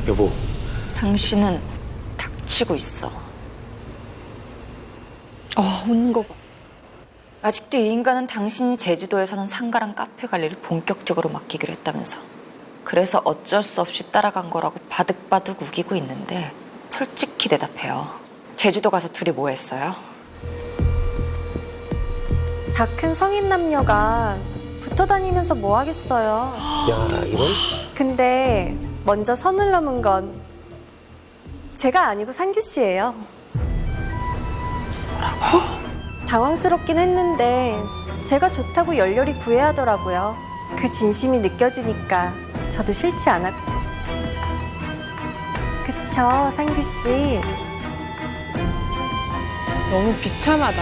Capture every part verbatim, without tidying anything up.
여보. 당신은 닥치고 있어. 어, 웃는 거 봐. 아직도 이 인간은 당신이 제주도에 사는 상가랑 카페 관리를 본격적으로 맡기기로 했다면서. 그래서 어쩔 수 없이 따라간 거라고 바득바득 우기고 있는데 솔직히 대답해요. 제주도 가서 둘이 뭐 했어요? 다 큰 성인 남녀가 붙어 다니면서 뭐 하겠어요. 야, 이런? 근데 먼저 선을 넘은 건 제가 아니고 상규 씨예요. 뭐라고? 당황스럽긴 했는데 제가 좋다고 열렬히 구애하더라고요. 그 진심이 느껴지니까 저도 싫지 않았고. 그쵸, 상규 씨? 너무 비참하다.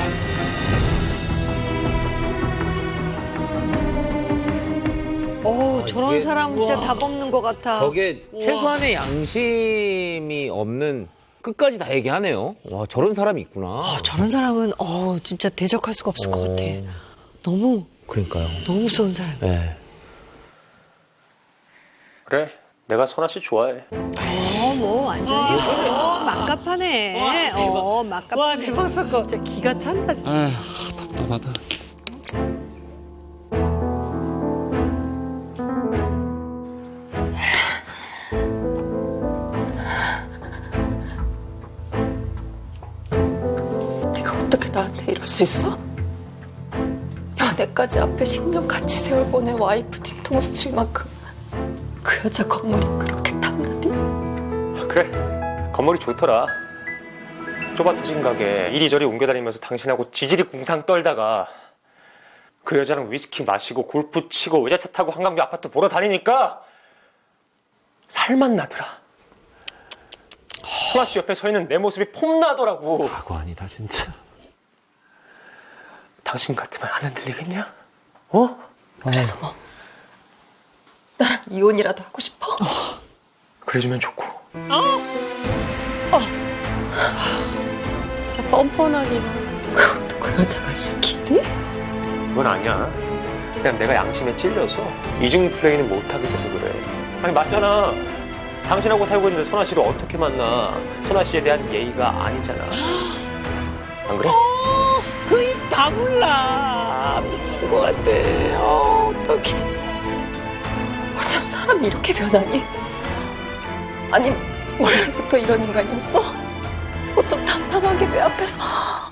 어, 저런 이게- 사람 진짜 우와. 답 없는 것 같아. 저게 최소한의 양심이 없는 끝까지 다 얘기하네요. 와, 저런 사람이 있구나. 어, 저런 사람은 어, 진짜 대적할 수가 없을 것 어. 같아. 너무 그러니까요. 너무 무서운 사람. 네. 그래, 내가 선아 씨 좋아해. 어, 뭐 완전히 어, 막갑하네. 어, 막갑. 와 대박 사건 진짜 기가 찬다 진짜. 아휴, 답답하다. 네가 어떻게 나한테 이럴 수 있어? 연애까지 앞에 십 년 같이 세월 보낸 와이프 뒤통수 칠 만큼 그 여자 겉물이 그렇게 탐나니? 그래, 건물이 좋더라. 좁아 터진 가게 이리저리 옮겨다니면서 당신하고 지지리 궁상 떨다가 그 여자랑 위스키 마시고 골프 치고 외제차 타고 한강뷰 아파트 보러 다니니까 살맛 나더라. 선아 씨 옆에 서 있는 내 모습이 폼나더라고. 과거 아니다, 진짜. 당신 같으면 안 흔들리겠냐? 어? 그래서 뭐 나랑 이혼이라도 하고 싶어? 그래주면 좋고. 진짜 뻔뻔하게. 그것도 그 여자가 시키니? 그건 아니야. 그냥 내가 양심에 찔려서 이중 플레이는 못하겠어서 그래. 아니 맞잖아. 당신하고 살고 있는데 선아 씨를 어떻게 만나. 선아 씨에 대한 예의가 아니잖아. 안 그래? 그 입 다물라. 미친 것 같아. 어, 어떡해. 어쩜 사람이 이렇게 변하니? 아니 원래부터 이런 인간이었어? 어쩜 단단하게 내 앞에서